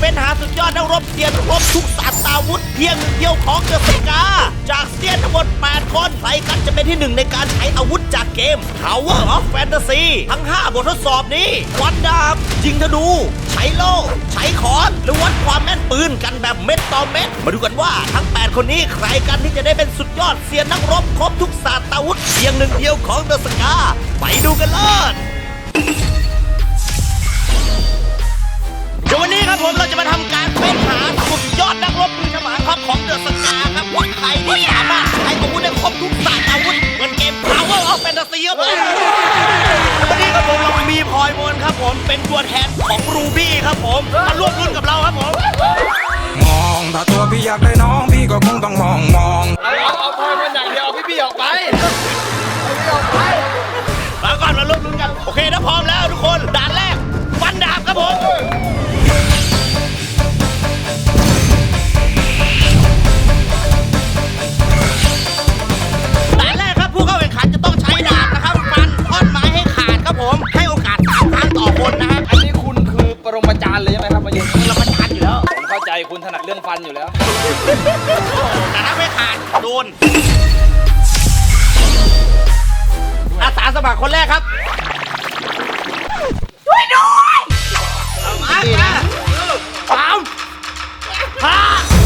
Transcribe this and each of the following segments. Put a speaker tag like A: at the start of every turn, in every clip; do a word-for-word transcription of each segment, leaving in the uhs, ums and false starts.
A: เป็นหาสุดยอดนักรบเซียนครบทุกศาสตราวุธเพียงหนึ่งเดียวของเดอะสกาจากเซียนทั้งหมดแปดคนใครกันจะเป็นที่หนึ่งในการใช้อาวุธจากเกม Tower of Fantasy ทั้งห้าบททดสอบนี้วัดดาบยิงธนูใช้โล่ใช้ค้อนหรือวัดความแม่นปืนกันแบบเม็ดต่อเม็ดมาดูกันว่าทั้งแปดคนนี้ใครกันที่จะได้เป็นสุดยอดเซียนนักรบครบทุกศาสตราวุธเพียงหนึ่งเดียวของเดอะสกาไปดูกันเลยเดี๋ยววันนี้ครับผมเราจะมาทำการเป็นหาสุดยอดนักรบมือฉมานครับของเดอะสกาครับว่าใครที่สามารถใช้อาวุธได้ครบทุกศาสตราวุธเหมือนเกม Power of Fantasy ครับผมวันนี้ครับผมเรามีพลอยมนครับผมเป็นตัวแทนของรูบี้ครับผมมาร่วมรุ่นกับเราครับผม
B: มองถ้าตัวพี่อยากได้น้องพี่ก็คงต้องมองมอง
C: เอาเอาพลอยมนอย่างเดียวพี่พี่ออกไปพี่ออกไป
A: มาก่อนมาร่วมรุ่นกันโอเคถ้าพร้อมแล้วทุกคนด่านแรกฟันดาบครับผมด่านแรกครับผู้เข้าแข่งขันจะต้องใช้ดาบนะครับฟันท่อนไม้ให้ขาดครับผมให้โอกาสสามครั้งต่อคนนะครับ
C: อันนี้คุณคือปรมาจารย์เลยใช่ไหมครับมายืน
A: เราประชันอยู่แล้ว
C: ผมเข้าใจคุณถนัดเรื่องฟันอยู่แล้ว
A: แต่ถ้าไม่ขาดโดนอาสาสมัครคนแรกครับช่วยด้วยเอามาสามห้า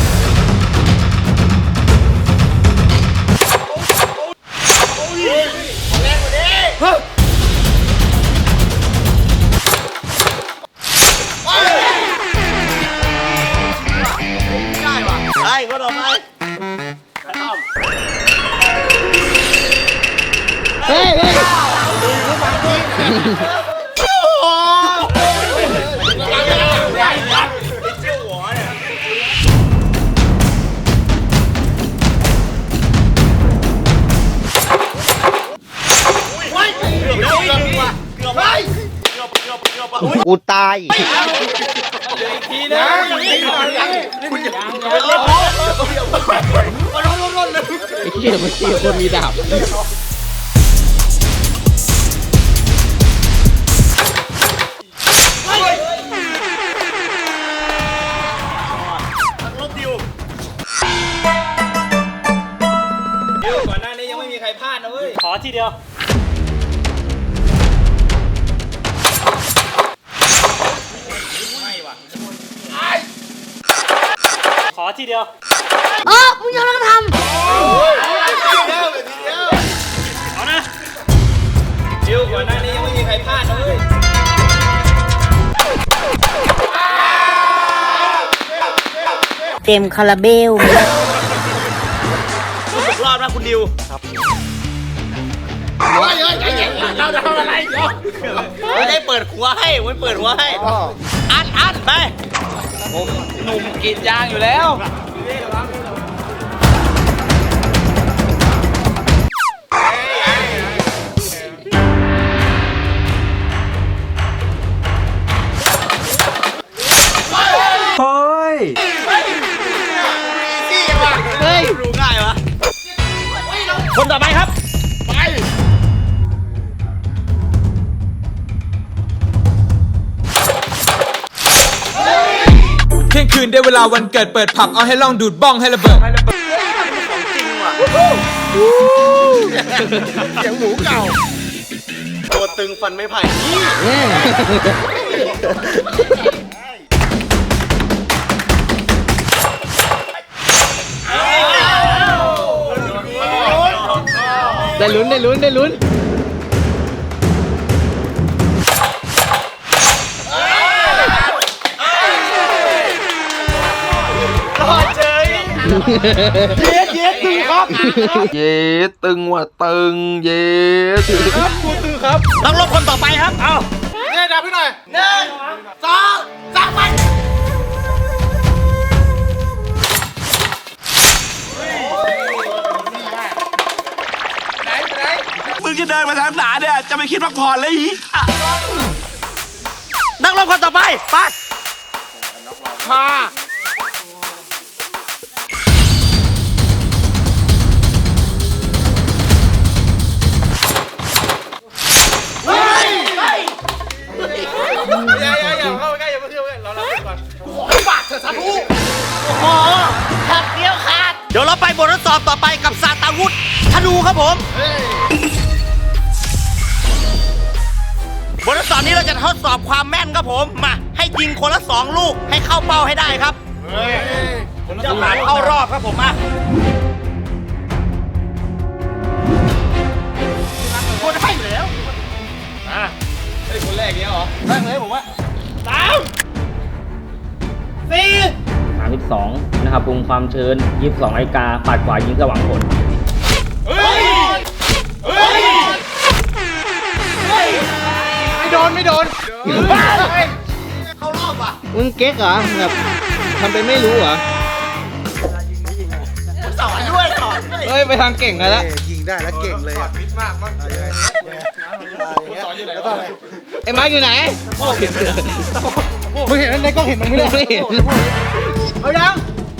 A: แรงกว่านี้ได้ว่ะได้ก็ต่อไปเฮ้ยเฮ้ยกูตาย
C: อีกทีนะคุณอย่าเป็นเล่นโอ้ร้อนร้อนร้อนเลย
D: ไอ้เหี้ยมันเหี้ยคนมีดาบ
A: ลบดิว
C: ดิวก่อนหน้านี้ยังไม่มีใครพลาดนะเว้ย
D: ขอทีเดียวขอทีเดียว
E: เออมึงยังต้องทำ
D: เอานะ
C: ดิวก่อนหน้านี้ยังไม่มีใครพลาดนะเว้ย
E: เต็มคาราเบล
A: รอบนะคุณดิวครับเฮ้ยเฮ้ยใจเย็นเราจะทำอะไรไม่ได้เปิดหัวให้ไม่เปิดหัวให้อันอันไป
C: ผมหนุ่มกรีดยางอยู่แล้ว
B: เฮ้ย
A: เฮ้ยรู้ง่ายวะคนต่อไปครับไป
B: เที่ยงคืนได้เวลาวันเกิดเปิดผับเอาให้ลองดูดบ้องให้ระเบิด
A: ของจริงว่ะเสียงหมูเก่าตัวตึงฟันไม่ไผ่
D: ได้ลุ้นได้ลุ้นได้ลุ้น
A: เย็ดเย็ดตึงครับ
B: เย็ดตึงว่ะตึงเย็ด
A: ครับกูตึงครับต้องรบคนต่อไปครับเอา
C: เนี่ยดับพี่หน่อย
A: หนึ่งสองสามไป
C: ไหนไหน
B: มึงจะเดินมาทางหนาเนี่ยจะไม่คิดพักผ่อนเลยอี
A: นักรบคนต่อไปไปพา
C: อย่าอย่าอย่าเข้าใกล้อย่าเพิ่งเข้าใกล้เราเราก่อน
A: ไปบททดสอบต่อไปกับซาตาวุธธนูครับผมบททดสอบนี้เราจะทดสอบความแม่นครับผมมาให้ยิงคนละสองลูกให้เข้าเป้าให้ได้ครับผมจะผ่านเข้ารอบครับผมมาคนให้แล้วอ่ะไอ้คนแรกเนี้ยเหรอแรกเลยผมว่าสามสี่
D: สามสิบสองนะครับปรุงความชื้นยี่สิบสองนาฬิกาปัดขวายิงสว่างผล
A: เฮ้ยเฮ้ยไม่โดนไม่โดนเข้ารอบอ่ะ
D: มึงเก๊กเหรอแบบทำเป็นไม่รู้เหรอ
A: สอนด้วยสอนด้วย
D: เฮ้ยไปทางเก่งกันแล้ว
F: ยิงได้แล้วเก่งเลยอ่ะ
D: ไอ้ไม้อยู่ไหน
F: มึงเห็นในกล้องเห็นมันไม่ได้
D: ไม่เห็น
F: เอายัง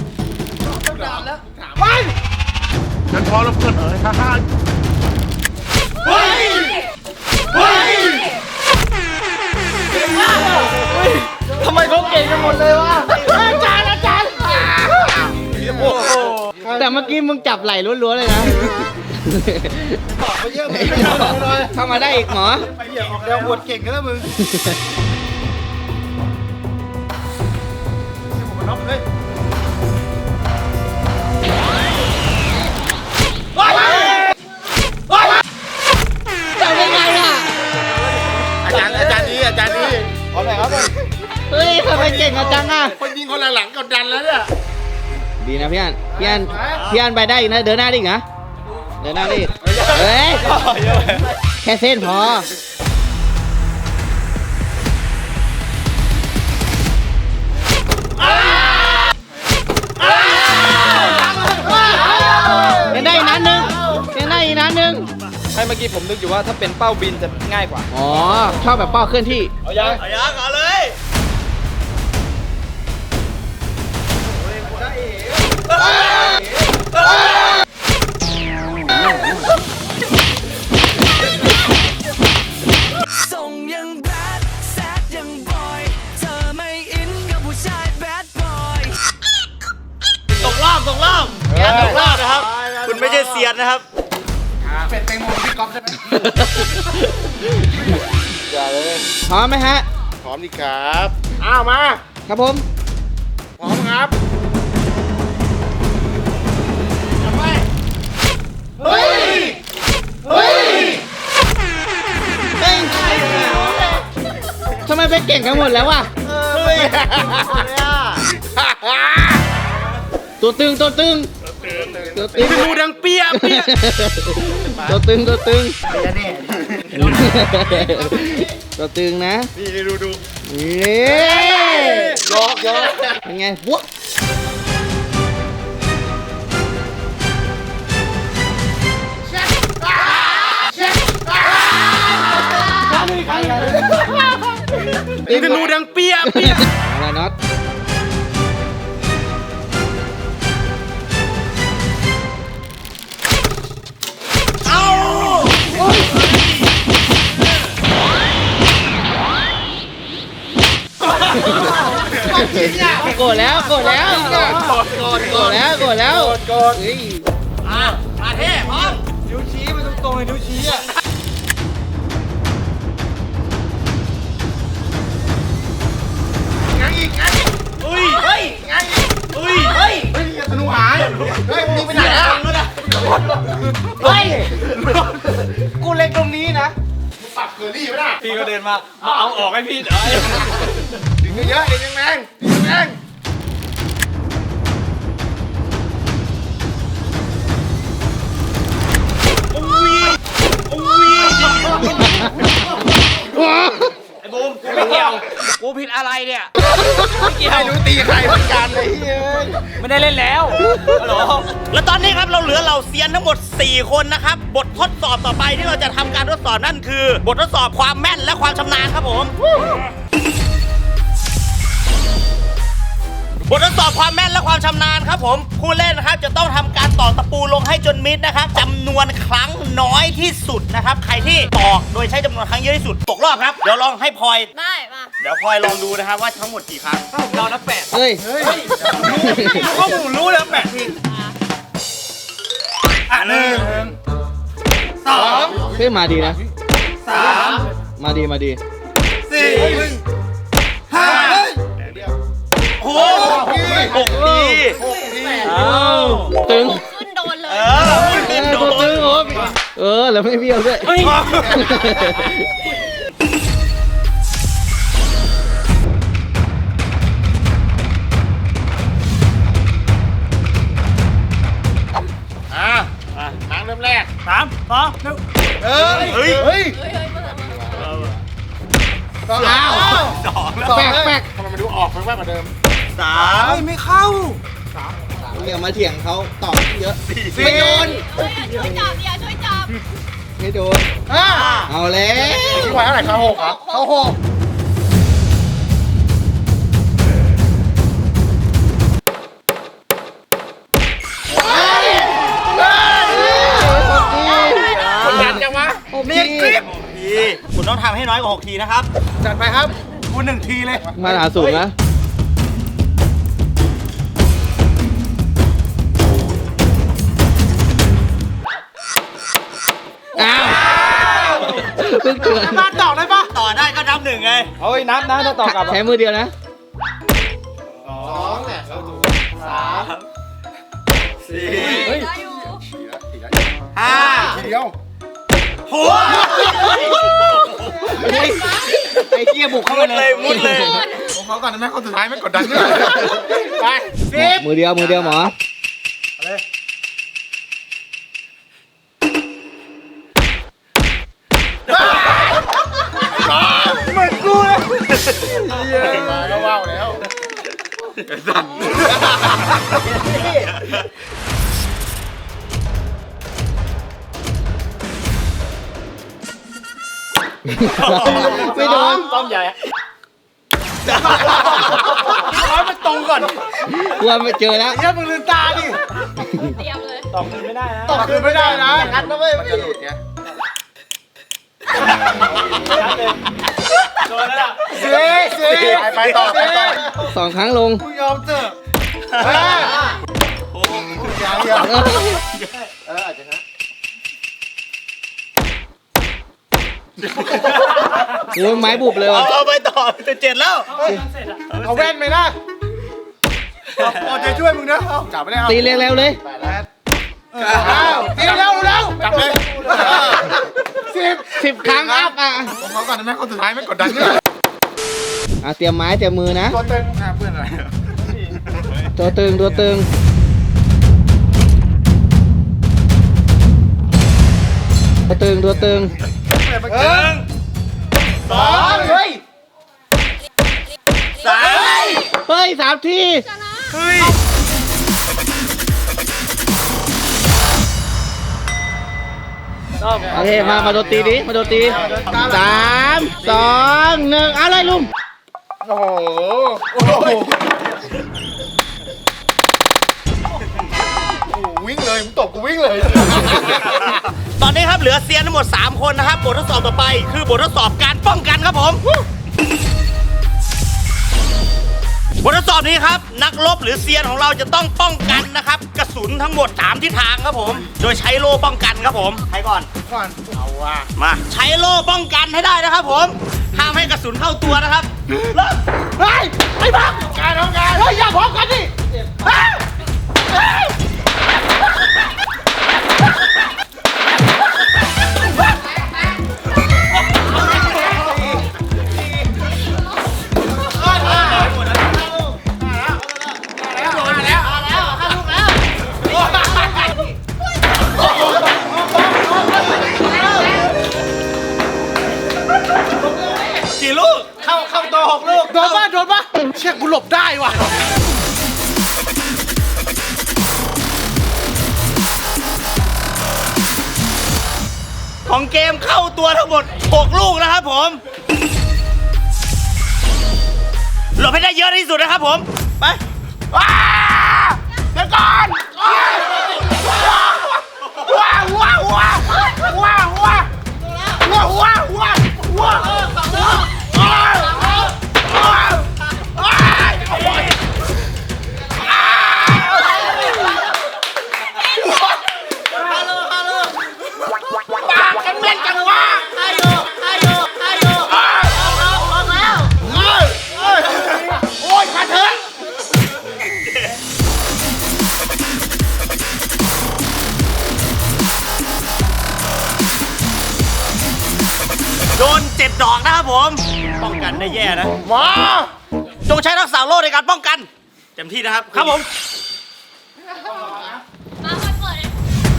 F: ไปฉันพอแล้วเพื่อนเอ๋ยฮ่าฮ่า
A: เฮ้ยเฮ้ย
F: ทำไมเขาเก่งกันหมดเลยวะ
A: อาจารย์อาจารย์
D: แต่เมื่อกี้มึงจับไหล่ล้วนๆเลยนะ
F: ไปเยอะไม่เอาเลย
D: เข้ามาได้อีกหมอ
F: ไปเหี้ยออกแนวบวดเก่งกันแล้วมึงผมน็อกเลย
D: จับได้ไงอ่ะ
F: อาจารย์อาจารย์นี้อาจารย์นี้ขอหน่อยครับ
D: เฮ้ยทำไมเก่งกันจังอ่ะ
F: คนยิงคนหลังกดดันแล้วเนี่ย
D: ดีนะพี่อันพี่อันพี่อันไปได้อีกนะเดินหน้าได้อีกนะเดินหน้าได้อีกเฮ้ยแค่เส้นพอเดินได้อีกนัดหนึงเดินได้อีกนัดหนึง
B: ให้เมื่อกี้ผมนึกอยู่ว่าถ้าเป็นเป้าบินจะง่ายกว่า
D: อ๋อชอบแบบเป้าเคลื่อนที่
A: เอายังเอายังเอาเลยส่งยังแบดแซดยังบอยเธอไม่อินกับผู้ชายแบดบอยตกรอบตกรอบงานตกรอบนะครับ คุณไม่ใช่เซียนนะครับ
F: เป็ดแตงโมพี่ก๊อฟใช่ไหม อย่าเลย
D: พร้อมไหมฮะ
F: พร้อมดีครับอ้าวมา
D: ครับผม
F: พร้อมครับ
A: เฮ้ย เฮ้ย
D: เฮ้ยทำไมไปเก่งกันหมดแล้ววะ
A: เฮ้ย
D: ตัวตึงตัวตึงตัวตึง
A: ดูดังเปียเปีย
D: ตัวตึงตัวตึงตัวตึงนะ
F: นี่ดูดู
D: นี่
F: ยอกยอก
D: เป็นไงบวกนี่ดูดังเปียเปียอะไรน็อตโกรธแล้วโกรธแล้วโกรธโกรธแล้วโกรธแล้วโกรธเฮ้ย
A: อ่ะมาเท่พร้อม
F: นิ้วชี้ไปตรงๆเลยนิ้วชี้อ่ะงั้นอีกงั้นอีก
A: เฮ้ย เฮ้ย
F: งั้นอีก
A: เฮ้ย เฮ้ย
F: เฮ้ยธนูหายเฮ้ยมึงไปไหนอ่ะ
A: เฮ้ย
F: กูเล็งตรงนี้นะมึงปรับเกอรี่ไม่ได้
B: พี่ก็เดินมา มาเอาออกให้พี่เอ้ย
F: ดึงเยอะๆดึงแรงๆดึงแรง
A: ไอ้บูมกูไม่เกี่ยว กูผิดอะไรเนี่ย
F: ไม่เกี่ยวไม่รู้ตีใครเหมือนกันเลยเฮ้ย
A: ไม่ได้เล่นแล้วฮัลโหลแล้วตอนนี้ครับเราเหลือเหล่าเซียนทั้งหมด สี่ คนนะครับ บททดสอบต่อไปที่เราจะทำการทดสอบนั่นคือ บททดสอบความแม่นและความชำนาญครับผม บททดสอบความแม่นและความชำนาญครับผมผู้เล่นนะครับจะต้องทำการตอกตะปูลงให้จนมิดนะครับจำนวนครั้งน้อยที่สุดนะครับใครที่ตอกโดยใช้จำนวนครั้งเยอะที่สุดตกรอบครับเดี๋ยวลองให้พลอย
E: ได้มา
A: เดี๋ยวพลอยลองดูนะครับว่าทั้งหมดกี่ครั้งเรานับแปด
D: เฮ้ย
A: ก็หมูรู้แล้วแปดทีหนึ่งสอง
D: เฮ้ยมาดีนะ
A: สาม
D: มาดีมาดี
A: สี่ห้าหกหกที
D: ตึง
E: ขึ้นโดนเลย
A: เออ
D: เอ
A: ขึ้น
D: อ
A: โด
D: ตัวน ตึงโอ้เออแล้วไม่เบี้ยวด้วย
C: มาเริ่มแรก
A: สามสองหนึ่ง
C: เฮ้ย
A: เฮ้ย
C: เฮ้ย
A: สองสองแล้ว
D: แปลกแปลก
C: ทำไมมันดูออกไปมากกว่าเดิม
A: สามไม่เข้า
D: อย่ามาเถียงเขาตอบเยอะ
A: สี่
D: ไม่โดน
E: ช่วยจับอย่าช่วยจับ
D: ไม่โดน
C: ห้า
D: เอาแล้ว
C: ที่วายเท่าไหร่เขาหกครับเขาหก
D: คนยันจังวะ
A: เนียนกริบทีคุณต้องทำให้น้อยกว่าหกทีนะครับ
C: จัดไปครับคุณหนึ่งทีเลย
D: มาหาสูงนะอ้าวเพิ่งเกิด
C: มาต่อได้ปะ
A: ต่อได้ก็นับหนึ่งไง
F: เฮ้ยนับนะถ้าต่อกลับ
D: ใช้มือเดียวนะ
C: สองเนี่ยสาม
A: สี่
E: ได้อยู่
A: ห้า
C: ทีเดียว
A: หก
D: ไอ้เกียบุกเข้า
A: มุ
D: ไป
A: ดเลยมุดเลย
C: ผมเขาก่อนนะแม่คนสุดท้ายไม่กดดันใช่ไหมไปสิบ
D: มือเดียวมือเดียวหมอ
C: เหมือนกูเลยมาก็ว้าวแล้ว
D: ไม่โดน
F: ต้อมใหญ่
C: ร้อยมันตรงก่อน
D: กลัวไม่เจอแล้ว
C: เยี่ยมึงลืมตาดิ
E: เตรียมเลย
F: ตอบคืนไม่ได้นะ
C: ตกคืนไม่ได้นะกันนะเว้ยมันจะหลุดไง
F: โดนแล้วล่ะ
C: สี่สี่ไปต่อไปต่อ
D: สองครั้งลง
C: กูยอมเถอะห้าหกยังยังเอออาจจะนะ
D: โอ้ยไม้บุบเลย
A: เอา
D: ว่ะ
A: เอาไปต่อจะเจ็ดแล้ว
C: เอาแว่นไหมนะเอาจะช่วยมึงนะเอาจับไม่ได้เอา
D: ตีเร็วๆเลย
C: แปดแล้วอ้าวตีเร็วเร็วจับเลยสิบ
D: สิบครั้งอัพอ่ะ
C: ผมเขาก่อนนะแม่คนสุดท้ายไม่กดดันใช่ไหม
D: อ่ะเตรียมไม้เตรียมมือนะ
C: ตัวเต็งหน้าเพื่อนอะไร
D: ตัวตึงตัวตึงตัวตึงตัวตึง
C: หนึ่งสองเฮ้ย
A: สาม
D: เฮ้ยสามที
A: เฮ้ย
D: โอเคมามาโดนตีดิมาโดนตีสามสองหนึ่งเอาเลยลุง
C: โอ้โหโอ้โหวิ่งเลยมึงตบกูวิ่งเลย
A: ตอนนี้ครับเหลือเซียนทั้งหมดสามคนนะครับบททดสอบต่อไปคือบททดสอบการป้องกันครับผมบททดสอบนี้ครับนักรบหรือเซียนของเราจะต้องป้องกันนะครับกระสุนทั้งหมดสามทิศทางครับผมโดยใช้โล่ป้องกันครับผมใครก่อน
C: ก่อนเอาว่ะ
A: มาใช้โล่ป้องกันให้ได้นะครับผมห้ามให้กระสุนเข้าตัวนะครับเริ่ม
C: เฮ้ยไอ้บ้าการทำงานเฮ้ยอย่าพร้อมกันดิเฮ้ยเฮ้ย
A: กี่ลูก
C: เข้าเข้าตัวหกลูกโดนป่ะโดนป่ะเชี่ยกูหลบได้ว่ะ
A: ของเกมเข้าตัวทั้งหมดหกลูกนะครับผมหลบให้ได้เยอะที่สุดนะครับผมไปว้าเดี๋ยวก่อนว้าวว้าวว้าวว้าวว้าวว้าวว้าวว้าวว้าวว้าวผมป้องกันได้แย่นะมาจงใช้ทักษะโล่ในการป้องกันเต็มที่นะครับครับผม
E: มาคนเปิดเลย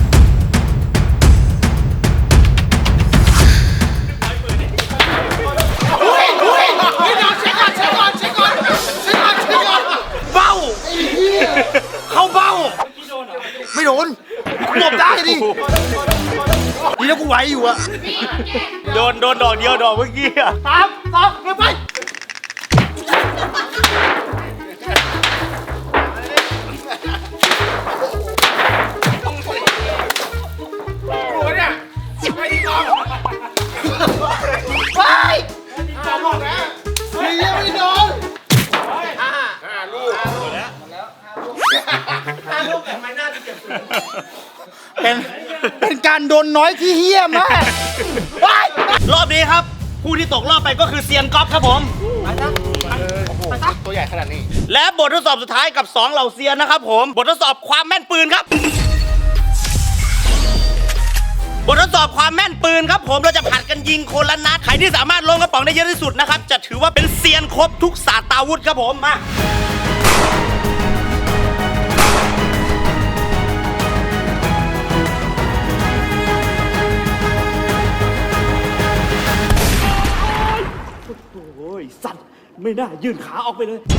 F: เบ้าเข้าเบ้าไม่โดนหลบได้ดินี่แล้วกูไหวอยู่อะ
A: โดนโดนดอกเดียวดอกเมื่อกี้อะ
F: สามสองเร็วไปไปจอมบอกนะนี่ยังไม่โดนห้าห้าลูกห้าลูกแต่ไม่น่าจะเจ็บสุดเป็นเป็นการโดนน้อยที่เฮี้ยมาก
A: รอบนี้ครับ ผู้ที่ตกรอบไปก็คือเซียนก๊อฟครับผม
F: ตัวใหญ่ขนาดนี้
A: และบททดสอบสุดท้ายกับสองเหล่าเซียนนะครับผม บททดสอบความแม่นปืนครับ บททดสอบความแม่นปืนครับผมเราจะผัดกันยิงคนละนัดใครที่สามารถลงกระป๋องได้เยอะที่สุดนะครับจะถือว่าเป็นเซียนครบทุกศาสตราวุธครับผมมาโอ้ยสั่นไม่น่ายื่นขาออกไปเลย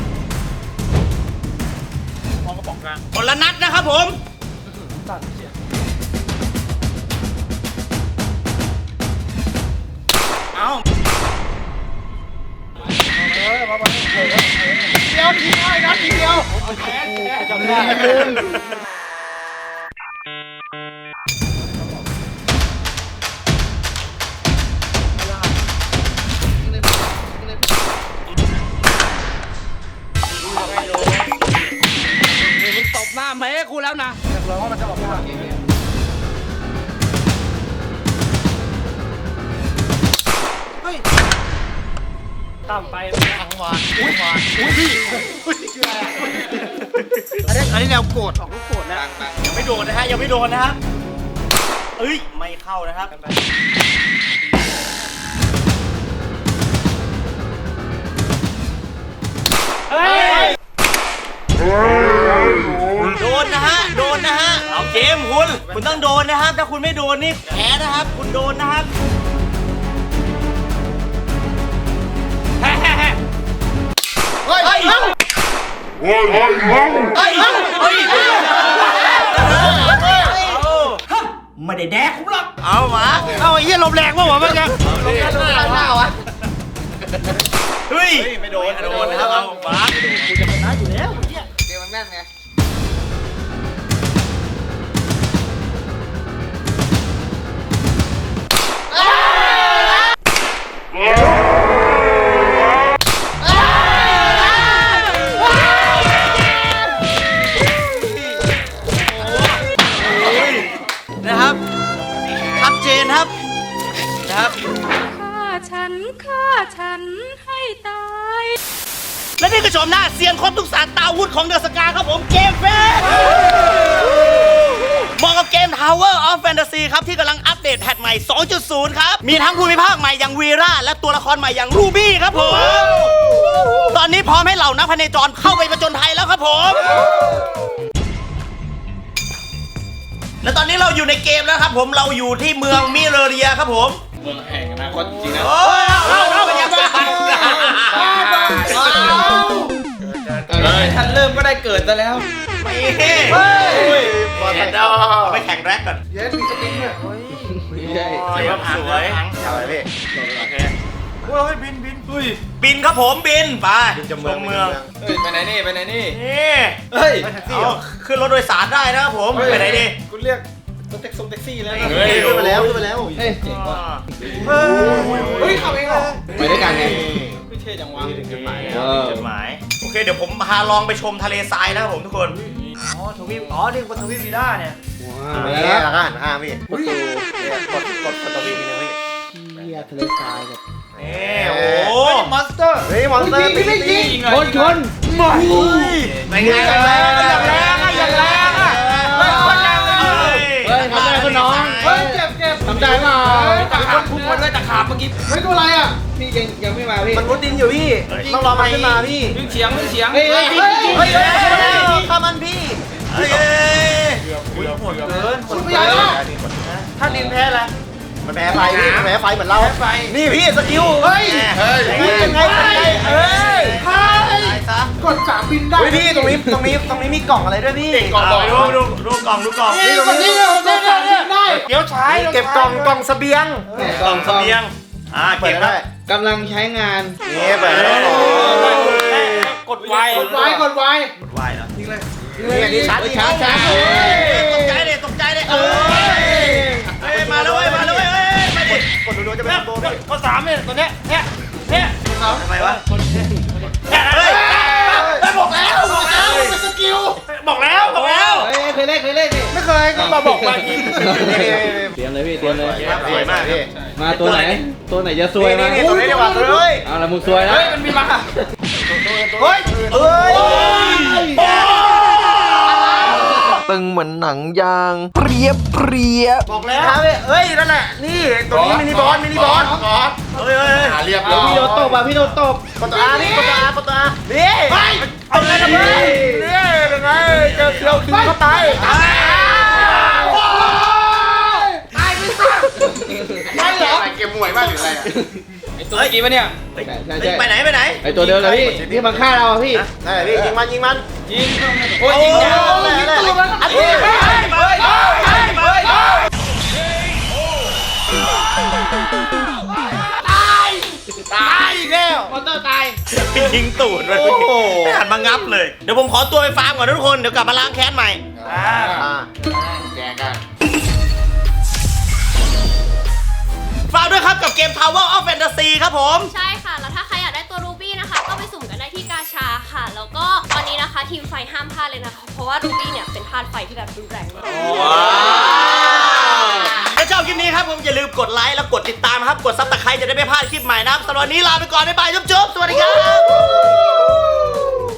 A: มองกระป๋องกลางคนละนัดนะครับผมเอา
F: เดียวทีน้อยนะทีเดียวจำได้ตบหน้าแม่กูแล้วนะเราว่ามันจะบอกว่าเฮ้ยตามไปทั้งวันอุ้ยวันอุ้ยพี่อันนี้อันนี้แนวโกรธออกลูกโกรธนะ
A: ยังไม่โดนนะฮะยังไม่โดนนะครับเอ้ยไม่เข้านะครับเฮ้ยโดนนะฮะโดนนะฮะเอาเกมคุณคุณต้องโดนนะครับถ้าคุณไม่โดนนี่แพ้นะครับคุณโดนนะครับเฮ้ยเฮ้ย
F: เฮ้ย
A: เฮ้ย
F: เอ้า
A: เฮ้ยเฮ้ยเฮ้ยไม่ได้แดกคุณหรอกเอามา
F: เอาไอ้เหี้ยลมแรงวะวะมันยังลมแรงลมแรงหน้าวะ
A: เฮ้ยไม่โดนโดนนะครับเอามากูจะชนะอยู่แล้ว
F: เกมมันแน่นไง
A: นะครับชัดเจนครับนะครับ
E: ฆ่าฉันฆ่าฉันให้ตาย
A: และนี่คือชมหน้าเซียนครบทุกศาสตราวุธของเดอะสกาครับผมเกมเฟสเหมาะกับเกม Tower of Fantasy ครับที่กำลังอัปเดตแพทใหม่ สองจุดศูนย์ ครับ มีทั้งภูมิภาคใหม่อย่างวีราและตัวละครใหม่อย่างรูบี้ครับผม ตอนนี้พร้อมให้เหล่านักพเนจรเข้าไปประจนภัยแล้วครับผม และตอนนี้เราอยู่ในเกมแล้วครับผมเราอยู่ที่เมืองมิเรเรียครับผม
C: เมืองแห่งอนาคตจริงนะ
A: โอ้ยเอาเอาเอาเป็นยังไง
B: ท่านเริ่มก็ได้เกิดซะแล้ว
A: เฮ้ยเห็นเอาไปแข่งแร็กก่อน
F: เย้มีสปริงด้วย
D: ไม่ใช่
A: สวยครับสวย
F: อะไรพี่
A: โอเค
F: โอ้ยบินบิน
B: อุ้ย
A: บินครับผมบินไป
F: จะ
A: ช
F: เมือง
A: มเมือง
B: เฮ้ย ไปไหนนี่ ไปไหนนี่
A: นี่
B: เฮ้ย
A: เอาขึ้นรถโดยสารได้นะครับผมไปไหนดี
B: คุณเรียกรถแท็กซี่แท็กซี่แล้ว
A: เฮ้ย
F: ขึ้นมาแล้วขึ้นมาแล้ว
D: เฮ้ย
B: เจ๋งว่ะ
F: เฮ้ยขับเองเหรอ
D: ไปด้วยกันไง
B: ไม่เท่จังวะ
A: ถึงจุดหมาย
D: เออ
A: จุดหมายโอเคเดี๋ยวผมพาลองไปชมทะเลทรายนะครับผมทุกคน
F: อ๋อทวีปอ๋อนี่บนทวีปวีด้าเนี่ย
D: ว้าว
F: มา
D: แล้
F: แล้ว
D: ว
F: แล้วก็หันข้างพี่
D: ประตู
F: กดกดกดทวีปนี่นะพี่
D: เฮียทะเลทรายแบบ
A: นี่โอ้โห
F: มอนสเตอร์เฮ้ยมอนสเตอร์พี่ไม่ยิง
D: ชนชน
A: เป็นไงกันแรงอย่างแรงอะอย่างแรงอะเฮ้ยคนแรงเลย
D: เฮ้ยทำได้ก็น้อง
F: เฮ้ยเจ็บเจ็บ
D: ทำได้เปล่า
F: ตาย
C: ขาบพุ่งมาด้วยตะขาบเมื่อกี้
F: ไม่ตัวอะไรอ่ะ
D: พี่ยังยังไม่มาพี่
F: มันมุดดินอยู่พี่ต้องรอมันขึ้นมาพี่
C: วิ่งเฉียงวิ่งเฉียง
D: เฮ้ยเฮ้ยจริงจริง
F: เฮ้ยข้ามันพี่
A: เฮ้ย
F: หมดเกินหมดเกินถ้าดินแพ้อะไรมันแพ้ไฟพี่มันแพ้ไฟเหมือนเรานี่พี่สกิลเฮ้ยพี่ยังไงยังไงเอ้ยกดสามบินได้พี่ตรงนี้ตรงนี้ตรงนี้มีกล่องอะไรด้วยพี่
A: กล่องดูดูดูกล่องดูกล่อง
F: นี่ตรงนี้เนี่ยเนี่ยได้เดี๋ยวใช้เก็บกล่องกล่องเสบียง
A: กล่องเสบียงอ่าเก็บได้
D: กำลังใช้งาน
F: นี่เปิดแล้ว
C: กดไว
F: กดไว้กดไว้
A: กดไว้เหรอ
F: นี่อันนี้ชาร์จ
D: ชาร์จชาร์จ
A: ตกใจเลยตกใจเลยเออเฮ้ยมาแล้วเว้ยมาแล้วเว้ยเฮ้ยมาดิ
F: กดดูๆจะเป็นโบว์
C: ข้อสามเนี่ยตัวเนี้ยเนี่ยเนี่ย
A: ทำไมวะ
C: เฮ้ย
F: ได้บอกแล้วบอกแล้วเป็นสกิล
C: บอกแล้วบอกแล้ว
D: เฮ้ยเคยเล่นเคยเล่นนี่
F: ไม่เคยก็มาบอกว่าอีก
D: เตรียมเลยพี่เตรียมเลย
A: สวยมากพี่
D: มาตัวไหน ตัวไหนจะซวย
F: นี่
D: มา
F: นี่ตัวนี้ดีกว่าเลย
D: เอาละมึงซวยแล้ว
C: เฮ้ยมันมีมา
F: เฮ้ยเฮ้ย
G: ตึงเหมือนหนังยางเปรียบเปรียบ
F: บอกแล้วเฮ้ยนั่นแหละนี่ตัวนี้มินิบอลมินิบอล
A: เฮ้ยเฮ้ย
F: เรียบ
D: เดี๋ยวพี่โดนตบอ่ะพี่โดนตบ
F: กดตัวอานี่กดตัวอากดตัวอานี่เอาไงกันพี่นี่เป็นไงเจอเคียวคิวเข้าไปตายตายไม่สักไม่เหรอเกมมวยมากหรืออะไร
C: ไอตัวเมื่อกี้ปะเนี่ย
D: ใช่ใช่ใช่
A: ไปไหนไปไหน
D: ไอตัวเดิมเลยพี่พี่มาฆ่าเราอ่ะพี่
F: นั่นแหละพี่ยิงมันยิงมัน
C: ยิงโอ้ยยิงยาว
F: ยิงตัวมันอันนี้
C: เฮ้ยเฮ้ยเฮ้ยเฮ้ย
F: ตายอีกแล้ว
D: มอเตอร์ตาย
A: ยิงตูดเลยไม่หันมางับเลย เดี๋ยวผมขอตัวไปฟาร์มก่อนนะทุกคน เดี๋ยวกลับมาล้างแค้นใหม่
F: แกกัน
A: ฝากด้วยครับกับเกม Tower of Fantasy ครับผม
H: ใช่ค่ะ แล้วถ้าใครอยากได้ตัวรูบี้นะคะ ก็ไปสุ่มกันได้ที่กาชาค่ะ แล้วก็ตอนนี้นะคะทีมไฟห้ามพลาดเลยนะคะ เพราะว่ารูบี้เนี่ยเป็นธาตุไฟที่แบบรุนแรงมาก
A: ว้าวถ้าชอบคลิปนี้ครับผมอย่าลืมกดไลค์แล้วกดติดตามครับ กดซับสไครต์จะได้ไม่พลาดคลิปใหม่นะครับสำหรับวันนี้ลาไปก่อน บ๊ายบาย จุ๊บๆ สวัสดีครับ